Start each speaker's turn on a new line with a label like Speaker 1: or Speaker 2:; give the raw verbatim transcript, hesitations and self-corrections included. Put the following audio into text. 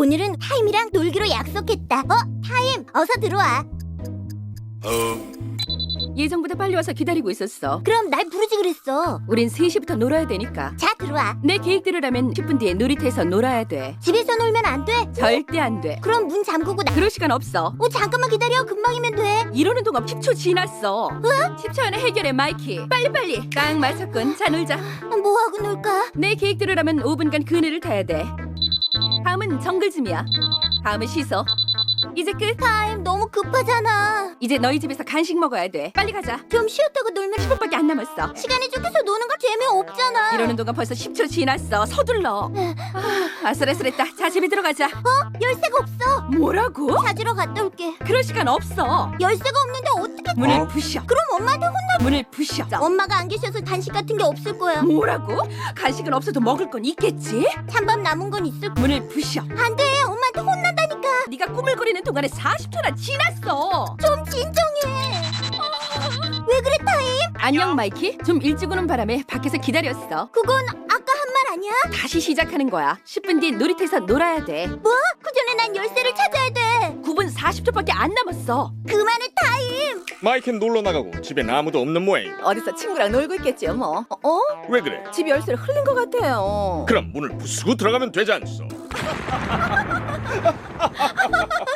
Speaker 1: 오늘은 타임이랑 놀기로 약속했다. 어? 타임, 어서 들어와.
Speaker 2: 예정보다 빨리 와서 기다리고 있었어.
Speaker 1: 그럼 날 부르지 그랬어.
Speaker 2: 우린 세 시부터 놀아야 되니까.
Speaker 1: 자, 들어와.
Speaker 2: 내 계획대로라면 십 분 뒤에 놀이터에서 놀아야 돼.
Speaker 1: 집에서 놀면 안 돼?
Speaker 2: 절대 안 돼.
Speaker 1: 그럼 문 잠그고 나...
Speaker 2: 그럴 시간 없어.
Speaker 1: 어, 잠깐만 기다려. 금방이면 돼.
Speaker 2: 이러는 동안 십 초 지났어. 십 초 안에 해결해, 마이키. 빨리빨리. 딱 맞췄군. 자, 놀자.
Speaker 1: 어, 뭐하고 놀까?
Speaker 2: 내 계획대로라면 오 분간 그네를 타야 돼. 다음은 정글짐이야. 다음은 시소. 이제 끝.
Speaker 1: 타임, 너무 급하잖아.
Speaker 2: 이제 너희 집에서 간식 먹어야 돼. 빨리 가자.
Speaker 1: 좀 쉬었다가 놀면
Speaker 2: 십 분밖에 안 남았어.
Speaker 1: 시간이 쫓겨서 노는 거 재미없잖아.
Speaker 2: 이러는 동안 벌써 십 초 지났어. 서둘러. 아, 아슬아슬했다. 자, 집에 들어가자.
Speaker 1: 열쇠가 없어.
Speaker 2: 뭐라고?
Speaker 1: 찾으러 갔다 올게.
Speaker 2: 그럴 시간 없어.
Speaker 1: 열쇠가 없는데 어떻게...
Speaker 2: 문을
Speaker 3: 어?
Speaker 2: 부셔.
Speaker 1: 그럼 엄마한테 혼나...
Speaker 2: 문을 부셔.
Speaker 1: 엄마가 안 계셔서 간식 같은 게 없을 거야.
Speaker 2: 뭐라고? 간식은 없어도 먹을 건 있겠지?
Speaker 1: 찬밥 남은 건 있을 거야.
Speaker 2: 문을 부셔.
Speaker 1: 안 돼, 엄마한테 혼난다니까.
Speaker 2: 네가 꾸물거리는 동안에 사십 초나 지났어.
Speaker 1: 좀 진정해. 왜 그래, 타임?
Speaker 2: 안녕, 마이키. 좀 일찍 오는 바람에 밖에서 기다렸어.
Speaker 1: 그건 아까 한 말 아니야?
Speaker 2: 다시 시작하는 거야. 십 분 뒤에 놀이터에서 놀아야 돼.
Speaker 1: 뭐? 그 전에 난 열쇠를 찾아야 돼.
Speaker 2: 구 분 사십 초밖에 안 남았어.
Speaker 1: 그만해, 타임.
Speaker 3: 마이크는 놀러 나가고 집엔 아무도 없는 모양.
Speaker 2: 어디서 친구랑 놀고 있겠지요, 뭐. 어?
Speaker 3: 왜 그래?
Speaker 2: 집 열쇠를 흘린 것 같아요.
Speaker 3: 그럼 문을 부수고 들어가면 되지 않소?